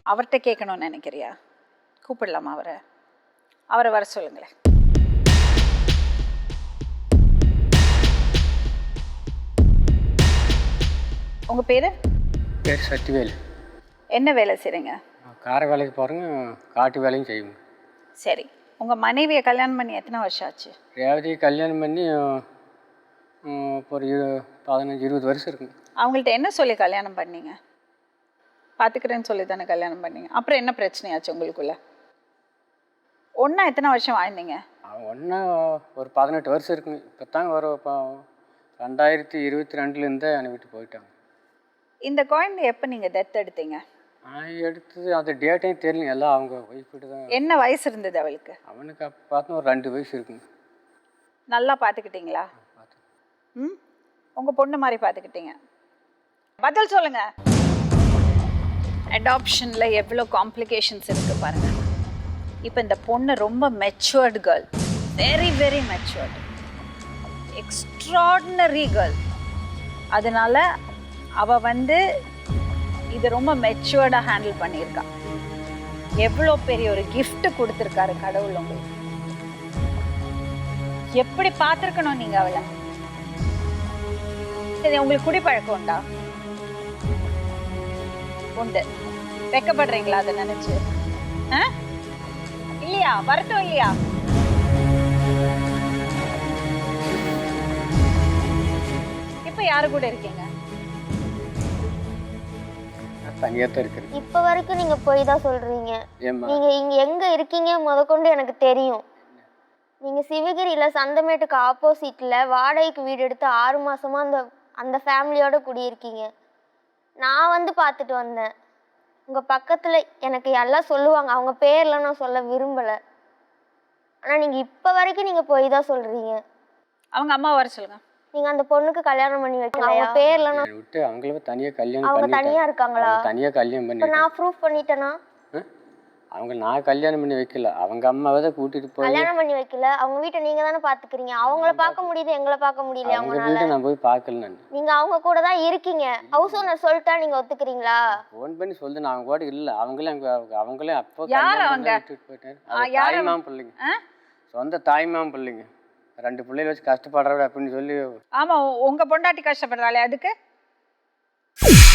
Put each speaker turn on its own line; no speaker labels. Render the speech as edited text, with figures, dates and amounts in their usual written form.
அவர்கிட்ட கேட்கணும்னு நினைக்கிறியா? கூப்பிடலாமா அவரை? அவரை வர சொல்லுங்களேன். உங்கள் பேர்?
பேர் சக்திவேல்.
என்ன வேலை செய்கிறீங்க?
கார வேலைக்கு போகிறேங்க, காட்டு வேலையும் செய்வோங்க.
சரி, உங்கள் மனைவியை கல்யாணம் பண்ணி எத்தனை வருஷம் ஆச்சு?
ரேவதியை கல்யாணம் பண்ணி ஒரு 15-20 வருஷம் இருக்குங்க.
அவங்கள்ட்ட என்ன சொல்லி கல்யாணம் பண்ணீங்க? பார்த்துக்கிறேன்னு சொல்லி தானே கல்யாணம் பண்ணீங்க. அப்புறம் என்ன பிரச்சனையாச்சு உங்களுக்குள்ள? ஒன்றா எத்தனை வருஷம் வாழ்ந்தீங்க?
ஒன்றா ஒரு 18 வருஷம் இருக்குங்க. இப்போ தாங்க ஒரு 2022 என்னை விட்டு போயிட்டாங்க.
இந்த குழந்தை எப்போ நீங்கள் டெத் எடுத்தீங்க?
எடுத்தது அந்த டேட்டையும் தெரியல, எல்லாம் அவங்க ஒய்ஃபிட்டு தான்.
என்ன வயசு இருந்தது அவளுக்கு?
அவனுக்கு அப்போ பார்த்தா ஒரு 2 வயசு இருக்குங்க.
நல்லா பார்த்துக்கிட்டீங்களா? ம், உங்கள் பொண்ணு மாதிரி பார்த்துக்கிட்டீங்க. பதில் சொல்லுங்க. அடாப்ஷனில் எவ்வளோ காம்ப்ளிகேஷன்ஸ் இருக்குது பாருங்கள். இப்போ இந்த பொண்ணு ரொம்ப matured girl, very very matured, extraordinary girl. அதனால அவள் இது ரொம்ப மெச்சூர்டாக ஹேண்டில் பண்ணியிருக்கா. எவ்வளோ பெரிய ஒரு கிஃப்ட் கொடுத்துருக்காரு கடவுள் உங்களுக்கு. எப்படி பார்த்துருக்கணும் நீங்கள் அவளை? சரி, உங்களுக்கு குடிப்பழக்கம் உண்டா? உண்டு. வெக்கப்படுறீங்களா அதை நினைச்சு? இல்லையா? வருத்தம் இல்லையா? இப்ப யாரு கூட இருக்கீங்க?
தனியாக தான் இருக்கிறேன்.
இப்போ வரைக்கும் நீங்கள் போய் தான் சொல்கிறீங்க. நீங்கள் இங்கே எங்கே இருக்கீங்க முதற்கொண்டு எனக்கு தெரியும். நீங்கள் சிவகிரியில் சந்தமேட்டுக்கு ஆப்போசிட்டில் வாடகைக்கு வீடு எடுத்து 6 மாதமாக அந்த ஃபேமிலியோடு குடியிருக்கீங்க. நான் பார்த்துட்டு வந்தேன். உங்கள் பக்கத்தில் எனக்கு எல்லாம் சொல்லுவாங்க, அவங்க பேர்லாம் நான் சொல்ல விரும்பலை. ஆனால் நீங்கள் இப்போ வரைக்கும் நீங்கள் போய் தான் சொல்கிறீங்க.
அவங்க அம்மா வர சொல்லுங்க.
நீங்கள் அந்த பொண்ணுக்கு கல்யாணம் பண்ணி வைக்கல, அவங்க பேர்லாம்
விட்டு அவங்கள தனியாக கல்யாணம்
அவங்க தனியாக இருக்காங்களா?
தனியாக கல்யாணம் பண்ணி
நான் ப்ரூஃப் பண்ணிட்டேனா?
அவங்க நான் கல்யாணம் பண்ணி வைக்கல, அவங்க அம்மாவை தான் கூட்டிட்டு போய்
கல்யாணம் பண்ணி வைக்கல. அவங்க வீட்டை நீங்க தானே பாத்துக்கிறீங்க. அவங்கள பார்க்க முடியுது, எங்களை பார்க்க முடியல.
அவங்க வீட்டை நான் போய் பார்க்கல. நான்
நீங்க அவங்க கூட தான் இருக்கீங்க. ஹவுஸ் ஓனர் சொல்லிட்டா நீங்க ஒத்துக்கிறீங்களா?
ஃபோன் பண்ணி சொல்லு, நான் அவங்க கூட இல்ல. அவங்களே அப்போ
யார் அவங்க?
விட்டுட்டு போயிட்டாரு. தாய்மாம் பிள்ளைங்க, சொந்த தாய்மாம் பிள்ளைங்க. 2 பிள்ளைகளை வச்சு கஷ்டப்படுறவ அப்படின்னு சொல்லி.
ஆமா, உங்க பொண்டாட்டி கஷ்டப்படுறாளே அதுக்கு